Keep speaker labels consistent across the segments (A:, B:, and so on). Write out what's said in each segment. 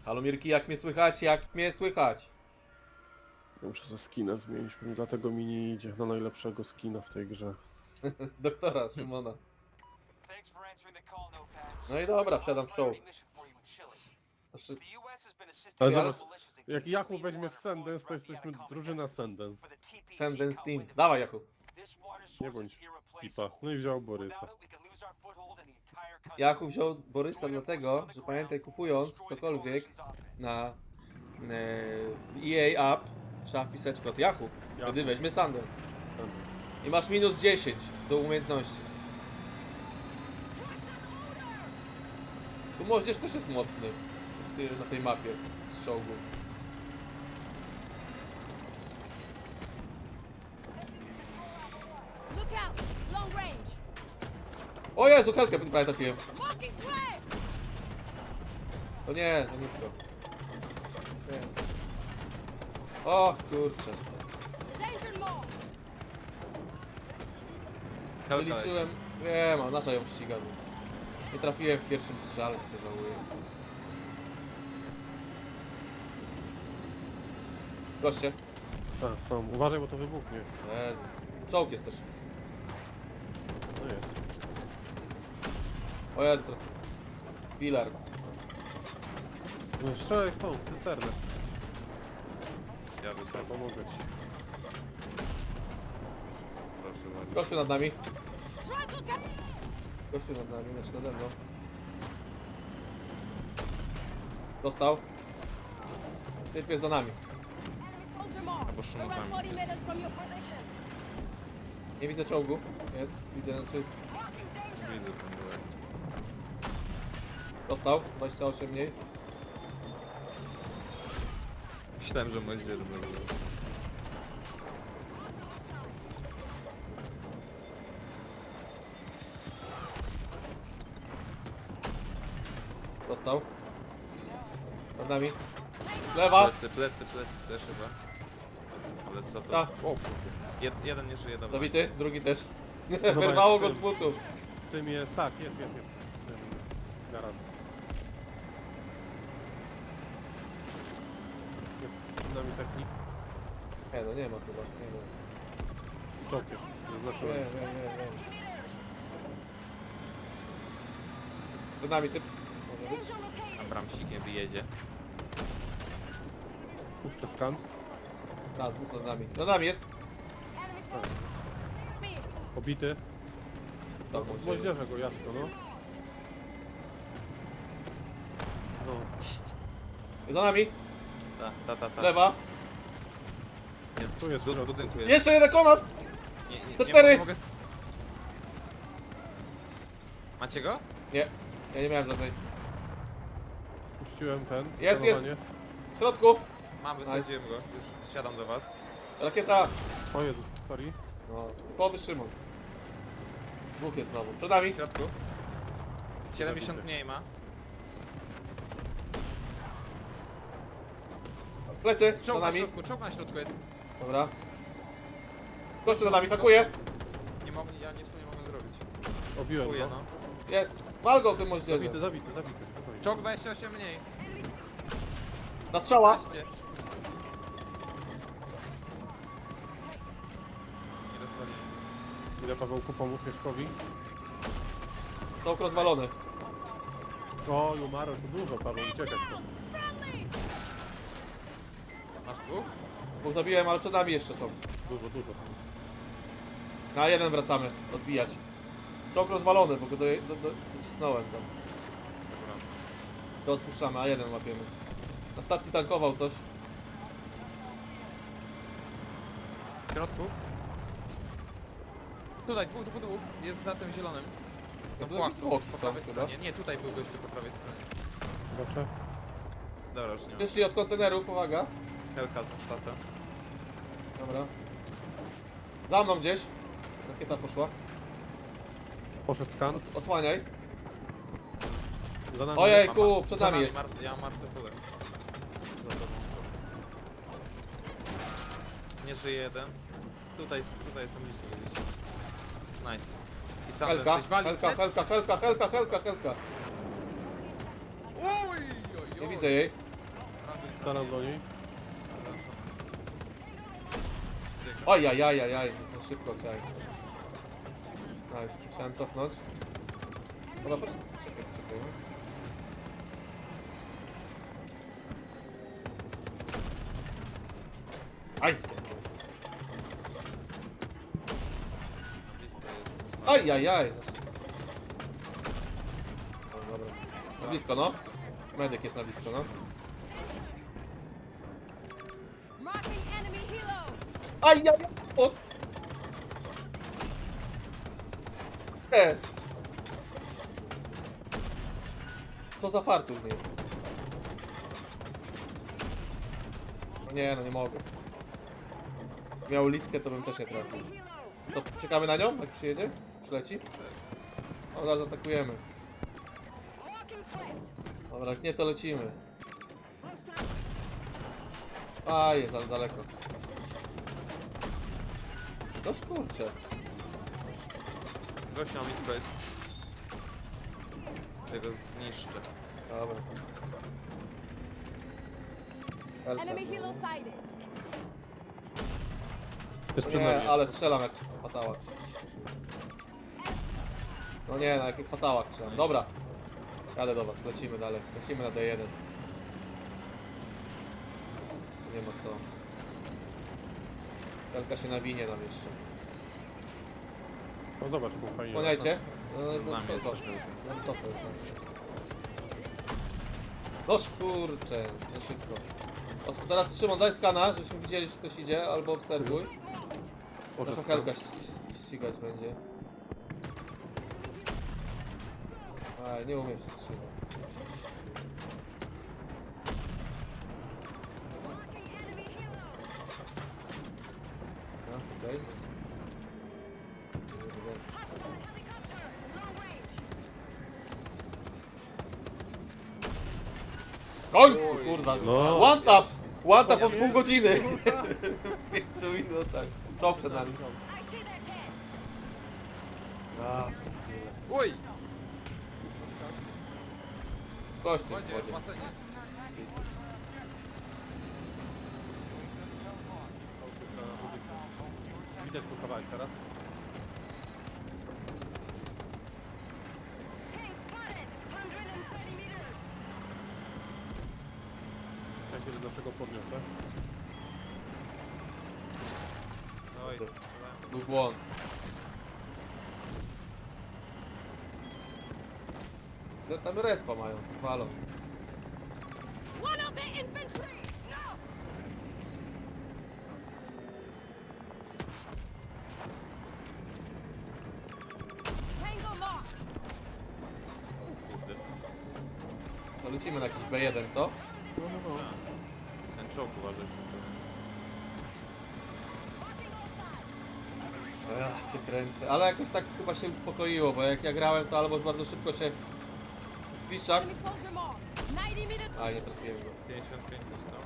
A: Halo Mirki, jak mnie słychać? Jak mnie słychać?
B: Ja muszę ze skina zmienić, dlatego mi nie idzie na najlepszego skina w tej grze.
A: Doktora Szymona. No i dobra, wsiadam w show. Znaczy,
B: Ale
A: Ja-
B: zobacz, jak Yahoo weźmie Sundance, to jesteśmy drużyna Sundance.
A: Sundance Team. Dawaj, Jakub.
B: Nie bądź pipa. No i wziął Borysa.
A: Jakub wziął Borysa dlatego, że pamiętaj, kupując cokolwiek na EA App, trzeba wpisać kod Jakub. Wtedy weźmie Sundance. I masz minus 10 do umiejętności. Tu moździerz też jest mocny na tej mapie z czołgu.
C: Look out! Long range!
A: O Jezu, helkę prawie trafiłem.
C: Marking flag!
A: O nie, za nisko. Nie. Och kurczę.
C: Danger mode!
A: Wyliczyłem. Wiem, a nasza ją ściga, więc nie trafiłem w pierwszym strzale, tylko żałuję. Goście.
B: Tak, są. Uważaj, bo to wybuchnie.
A: Jezu. Czołg jest też.
B: No jest.
A: O Jezu, trafiłem. Pilar.
B: No strzelaj w tą cysternę.
D: Ja wysadzę,
B: Pomogę ci.
D: proszę bardzo.
A: Gościu nad nami.
C: Try to get...
A: Gościu nad nami, znaczy nade mną. Dostał. Typ jest za nami.
C: Ultramar!
D: Albo szumą
C: Around
D: sami
C: 40 meters from your position!
A: Nie widzę czołgu. Jest, widzę, znaczy
D: Widzę ten byłek.
A: dostał. 28 mniej.
D: Myślałem, że moździerz będzie.
A: Dostał. Nad nami. Lewa.
D: Plecy też chyba. Ale co to?
A: Ta.
D: O, jeden nie żyje, dobra.
A: Dobity, drugi też.
B: Dobra,
A: Wyrwało
B: jest
A: go
B: tym.
A: z butów.
B: Tym jest, tak, jest. Tym garaż. Jest przed nami technik.
A: Nie no, nie ma chyba. Nie ma.
B: Czołg jest,
A: Nie,
B: zaznaczyłem.
A: nie. Przed nami typ. Może być.
D: Abramsikiem wyjedzie.
B: Puszczę skan.
A: Tak, dwóch nad nami. Nad nami jest.
B: Pobity.
A: Tam
B: No,
A: może-
B: moździerze go, jasno, no. No,
A: Za nami.
D: Ta.
A: Lewa.
D: Nie,
B: Tu jest w
D: w
B: środku.
D: budynku jest.
A: Jeszcze jeden konas.
D: Nie,
A: C4.
D: nie mogę. Macie go?
A: Nie. Ja nie miałem żadnej.
B: puściłem ten.
A: Jest.
B: skanowanie.
A: W środku.
D: Mam, wysadziłem go. Już siadam do was.
A: Rakieta.
B: O Jezu, sorry.
A: No, typowy Szymon. Dwóch jest znowu. Przed nami.
D: W środku. 70 mniej ma.
A: Plecy. Za
D: Czołg na
A: nami.
D: środku, czołg na środku jest.
A: Dobra. Gościu za nami. Atakuje.
D: Nie mogę, ja nic tu nie mogę zrobić.
B: Obiłem
D: Kuję,
B: go.
D: no.
A: Jest. Wal go tym moździerzem.
B: Zabity, spokojnie.
D: Czołg 28 mniej.
A: Na strzała.
D: 15. Nie rozwali.
B: Ile Pawełku pomóc Mieszkowi?
A: Czołg rozwalony.
B: O, umarł, to dużo, Paweł, uciekać stąd.
D: Masz dwóch?
A: Dwóch zabiłem, ale przed nami jeszcze są.
B: Dużo.
A: Na jeden wracamy. Odbijać. Czołg rozwalony, bo go docisnąłem tam.
D: Dobra.
A: To odpuszczamy, a jeden łapiemy. Na stacji tankował coś.
D: W środku? Tutaj, dwóch. Jest za tym zielonym.
A: To
D: Na
A: były
D: płaku,
A: zwłoki
D: po
A: są
D: prawej
A: chyba.
D: stronie. Nie, tutaj był gościu po prawej stronie.
B: Zobaczę.
D: Dobra, już nie ma.
A: Wyszli od kontenerów, uwaga.
D: Helka od sztata.
A: Dobra. Za mną gdzieś. Rakieta poszła.
B: Poszedł skan.
A: Osłaniaj.
B: Za nami.
A: Ojejku, przed
D: Za
A: nami jest.
D: Ja mam martwy pole. Za tobą. Nie żyje jeden. Tutaj są blisko gdzieś. Nice. I sam
A: Helka,
D: jesteś wali.
A: helka.
D: Oj.
A: Nie widzę jej.
B: Strzelam do niej.
A: Ajajajajaj, to szybko chciałem. Nice, musiałem cofnąć. Dobra, poczekaj. No. Aj!
D: Blisko jest.
A: Ajajaj! O, dobra. Na blisko, no. Medyk jest na blisko, no.
C: Marking enemy helo.
A: Ajajaj! O! Co za fartuch z nim? No nie, no nie mogę. Miał listkę, to bym też nie trafił. Co, czekamy na nią, jak przyjedzie? Przyleci? O, zaraz atakujemy. Dobra, jak nie, to lecimy. A, jest za daleko. Noż kurczę.
D: Gość na blisko jest. Tego zniszczę.
A: Dobra. Helka,
C: Enemy helo
A: no.
C: sighted.
B: Jest
A: No
B: przed nami.
A: nie, ale strzelam jak patałak. No nie, no jak patałak strzelam. Dobra. Jadę do was, lecimy dalej. Lecimy na D1. Nie ma co. Helka się nawinie nam jeszcze.
B: No zobacz, był fajnie.
A: Kłaniajcie. No,
D: Z nami jest.
A: Sofę już. Noż kurczę, za szybko. Teraz Szymon, daj skana, żebyśmy widzieli, czy ktoś idzie, albo obserwuj. Nasza Helka ścigać będzie. Aj, nie umiem się strzelać. No, okej. W końcu, kurwa!
B: No.
A: One tap! One tap od pół godziny! W 5 minutach. Co przed nami? A,
D: Uj!
A: gościu w
D: Wodzie, w
A: wodzie.
D: basenie.
B: Widać tu kawałek teraz. Ja się do naszego podniosę.
D: Oj,
A: Był błąd. Tam respa mają, co palą.
C: One of the infantry. No. Tango locked.
D: kurde.
A: To lecimy na jakiś B1, co?
D: Ten czołg uważaj.
A: Ja cię kręcę. Ale jakoś tak chyba się uspokoiło, bo jak ja grałem, to albo bardzo szybko się zgliszczak.
C: Enemy soldier marked. 90 meters.
A: A, nie trafiłem go.
D: 55 dostał.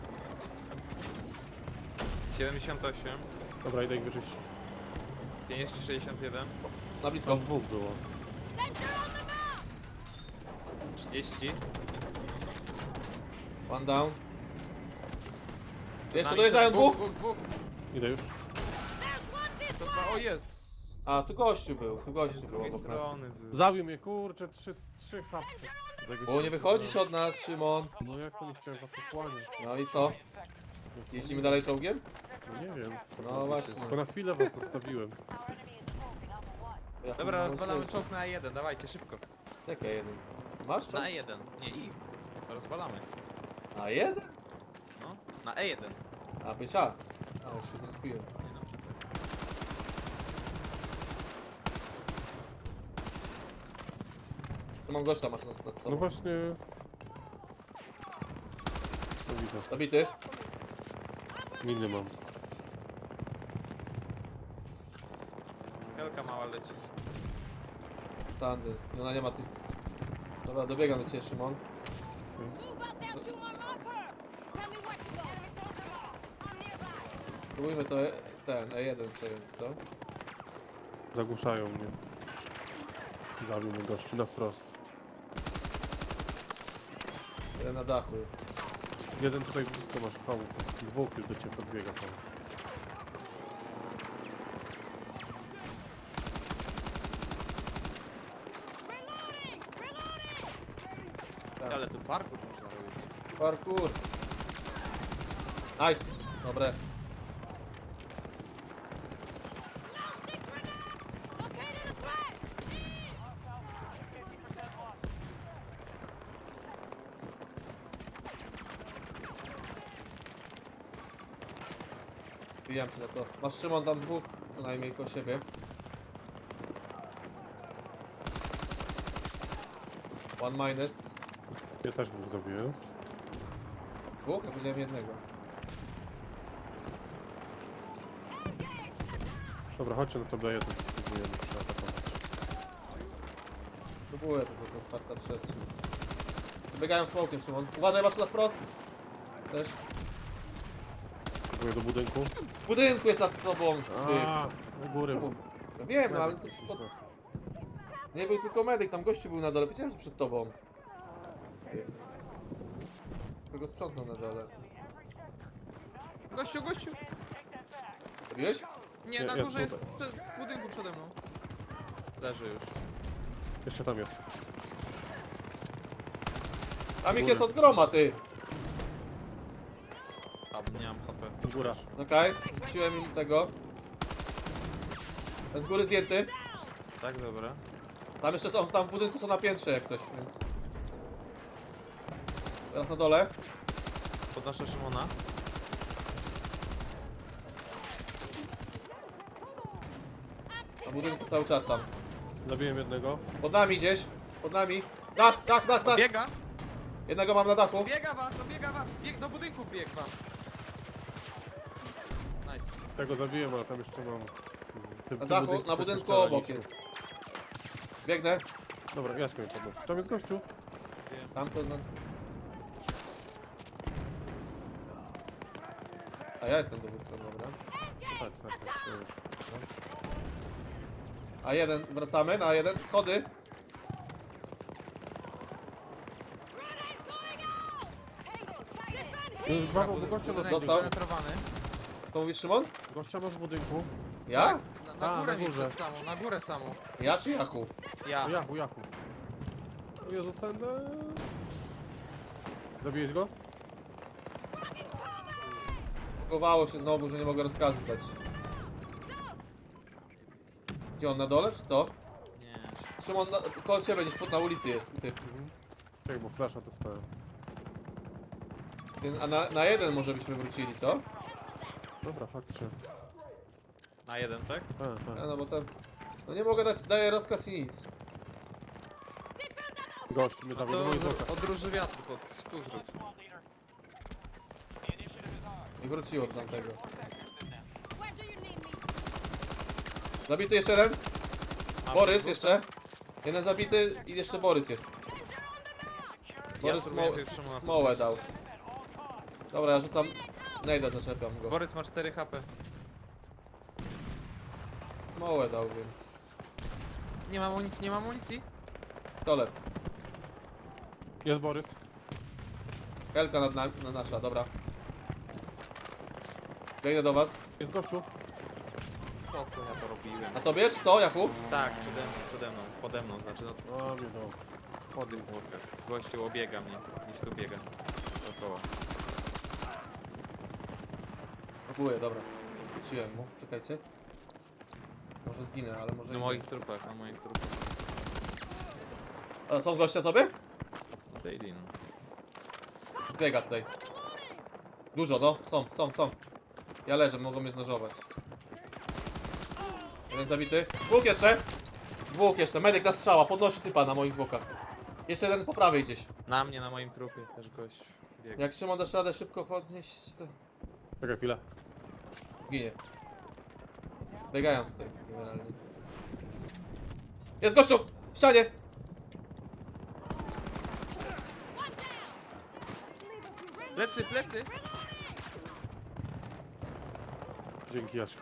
D: 78.
B: Dobra, idę ich wyczyścić.
D: 50, 61.
A: Na blisko.
B: Tam dwóch było.
C: Danger on the map.
D: 30.
A: One down. Jeszcze
D: Nami
A: dojeżdżają dwóch?
D: Dwóch.
B: Idę już.
C: There's one this
D: To
C: way.
D: dwa, o jest!
A: A, tu gościu
D: Z
A: był
D: drugiej
A: obok nas.
D: strony był.
B: Zabił mnie, kurczę, trzy hapsy.
A: Bo nie wychodzić od nas, Szymon.
B: No jak to nie chciałem was osłaniać?
A: No i co? Jeździmy dalej czołgiem?
B: No nie wiem.
A: No właśnie.
B: Tylko na chwilę was zostawiłem.
A: Ja
D: Dobra,
A: chyba
D: rozwalamy
A: myślę,
D: czołg na E1, dawajcie szybko.
A: że- Jaka jeden? Masz czołg?
D: Na E1, nie ich. Rozwalamy.
A: A jeden?
D: No, na E1.
A: A, byś A. A, już się zrespiłem.
D: Nie no,
A: Tu mam gościa, masz nad
B: No
A: sobą.
B: właśnie... No widzę.
A: Zabity.
B: Miny mam.
D: Helka mała leci.
A: Tandens. Ona nie ma tych... Dobra, dobiegam do ciebie, Szymon.
C: Move out there to my marker. Tell me where to go. Enemy soldier marked. I'm nearby.
A: Spróbujmy to ten E1 przejąć, co?
B: Zagłuszają mnie. Zabił mnie gościu na wprost.
A: Jeden na dachu jest.
B: Jeden tutaj blisko masz, Paweł. Dwóch już do ciebie podbiega, Paweł.
A: Tak.
D: Ale tu parkour można robić.
A: Parkour. Nice. Dobre.
C: Located a threat!
A: Wbijam się na to. Masz Szymon tam dwóch, co najmniej koło siebie. One minus.
B: Ja też bym zrobił.
A: Dwóch? Ja widziałem jednego.
B: Dobra, chodźcie na to daję, to spróbujemy przeatakować.
A: Próbuję, tylko to otwarta przestrzeń. Biegają smokiem, Szymon. Uważaj, masz tu na wprost. Też.
B: Próbuję do budynku.
A: W budynku jest nad tobą. Ty.
B: A, u góry.
A: Ja wiem, no, ale to nie był tylko medyk, tam gościu był na dole. Wiedziałem, że przed tobą. Ty. Kto go sprzątnął na dole?
D: Gościu, gościu!
A: Robiłeś?
D: Nie,
B: Nie,
D: na
B: jest
D: górze jest
B: tutaj.
D: w budynku przede mną. Leży już.
B: Jeszcze tam jest.
A: Tam ich jest od groma, ty.
D: A, nie mam HP.
B: Góra.
A: Okej, rzuciłem im tego. Ten z góry zdjęty.
D: Tak, dobra.
A: Tam jeszcze są, tam w budynku są na piętrze jak coś, więc... Teraz na dole.
D: Podnoszę Szymona.
A: Na budynku cały czas tam.
B: Zabiłem jednego.
A: Pod nami gdzieś. Pod nami. Dach, dach, dach, dach.
D: Biega!
A: Jednego mam na dachu.
D: Obiega was, obiega was! Do budynku bieg wam. Nice.
B: Tego zabiłem, ale tam jeszcze mam...
A: Na dachu, na budynku obok jest. Biegnę.
B: Dobra, Jaśko mnie podnosi. Tam jest gościu.
A: Tamto na... A ja jestem dowódcą, dobra.
B: Tak, tak, tak.
A: A jeden, wracamy na jeden. Schody.
B: Paweł, bo gościa,
D: Budynek
A: dostał.
D: penetrowany.
A: To mówisz, Szymon?
B: gościa masz w budynku.
A: Ja?
D: Tak, na
B: A,
D: górę
B: na
D: mi
B: górze.
D: przed samą, na górę samą.
A: Ja czy Jachu?
D: Ja.
B: O, Jachu, Jachu. O Jezu, Sandes. Zabiłeś go?
A: Chowało się znowu, że nie mogę rozkazu dać. Gdzie on, na dole, czy co?
D: Nie.
A: Szymon, koło ciebie gdzieś na ulicy jest, ty.
B: Czekaj, bo flasha dostałem.
A: A na jeden może byśmy wrócili, co?
B: Dobra, chodźcie.
D: Na jeden, tak?
A: A, no bo tam... No nie mogę dać, daję rozkaz i nic.
B: Gość mnie zabił, no i zoka.
D: Odróży wiatr pod skuzrób.
A: I wróciło do tamtego.
C: Where do you need me?
A: Zabity jeszcze jeden.
D: A,
A: Borys
D: wrócę.
A: jeszcze. Jeden zabity i jeszcze Borys jest. Borys
D: spróbuję pierwszemu na
A: smołę dał. Dobra, ja rzucam... Nejda, zaczepiam go.
D: Borys ma 4 HP.
A: Smołę dał, więc...
D: Nie mam amunicji, nie mam amunicji.
A: Pistolet.
B: Jest Borys.
A: Helka na nasza, dobra. Biegnę do was.
B: Jest gościu.
D: Po co ja to robiłem?
A: A tobie, czy co, Jachu?
D: Tak, przede mną, pode mną, znaczy no
B: A, mnie dał.
D: pod tym worker. Gościu obiega mnie, gdzieś tu biega. Dookoła.
A: Próbuję, dobra. Wróciłem mu, czekajcie. Może zginę, ale może
D: Na
A: i
D: moich
A: nie.
D: trupach, na moich trupach.
A: A są goście tobie?
D: No daily no.
A: Biega tutaj. Dużo, no. Są. Ja leżę, mogą mnie znożować. Jeden zabity. Dwóch jeszcze. Medyk na strzała. Podnosi typa na moich zwłokach. Jeszcze jeden po prawej gdzieś.
D: Na mnie, na moim trupie też gość biega.
A: Jak Szymon dasz radę szybko podnieść, to
B: Czekaj chwilę.
A: zginie. Biegają tutaj generalnie. Jest gościu! W ścianie!
D: Plecy, plecy!
B: Dzięki, Jaśko.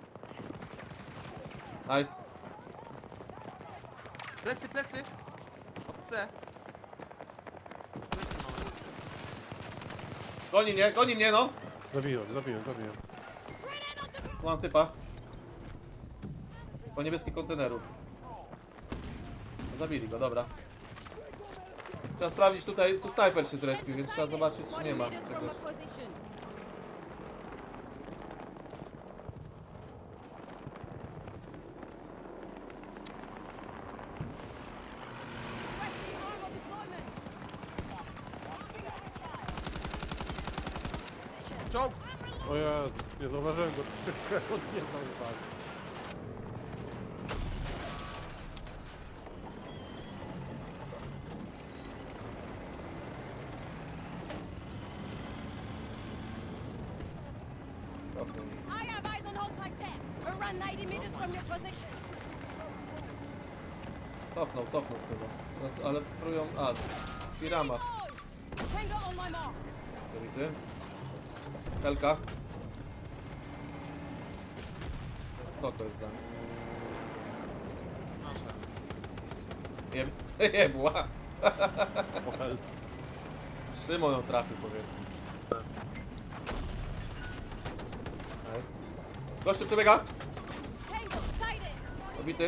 A: Nice.
D: Plecy, plecy! C. Plecy mamy.
A: Goni mnie, no!
B: Zabiłem.
A: Tu mam typa. Po niebieskich kontenerów. Zabili go, dobra. Trzeba sprawdzić tutaj, tu snajper się zrespił, więc trzeba zobaczyć, czy nie ma
C: 20 meters from
A: czegoś.
C: the position. Requesting armor deployment.
D: Czołg!
B: O Jezus, nie zauważyłem go. On nie zauważył.
C: I have eyes on hostile tech. Around 90 meters from your position.
A: Cofnął chyba. Teraz, ale próbują... A, z Sirama.
C: Tango on my mark.
A: Zabity. Helka. Wysoko jest tam.
D: Nasza.
A: Jebła.
B: O helce.
A: Szymon ją trafił, powiedzmy. Nice. Gościu przebiega.
C: Tango, sighted.
A: Obity.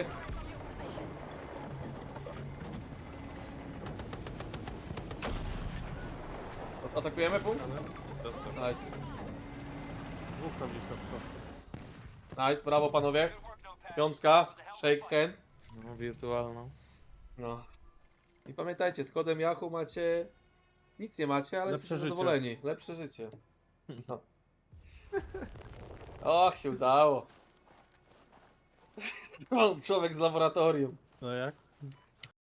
A: Atakujemy punkt?
D: Dostał.
A: Nice.
B: Dwóch tam gdzieś na wprost.
A: Nice, brawo panowie. Piątka, shake hand.
D: No, wirtualną.
A: No. I pamiętajcie, z kodem Yahoo macie... Nic nie macie, ale
B: Lepsze
A: jesteście
B: życie.
A: zadowoleni. Lepsze życie. No. Och, się udało. Człowiek z laboratorium.
B: No jak?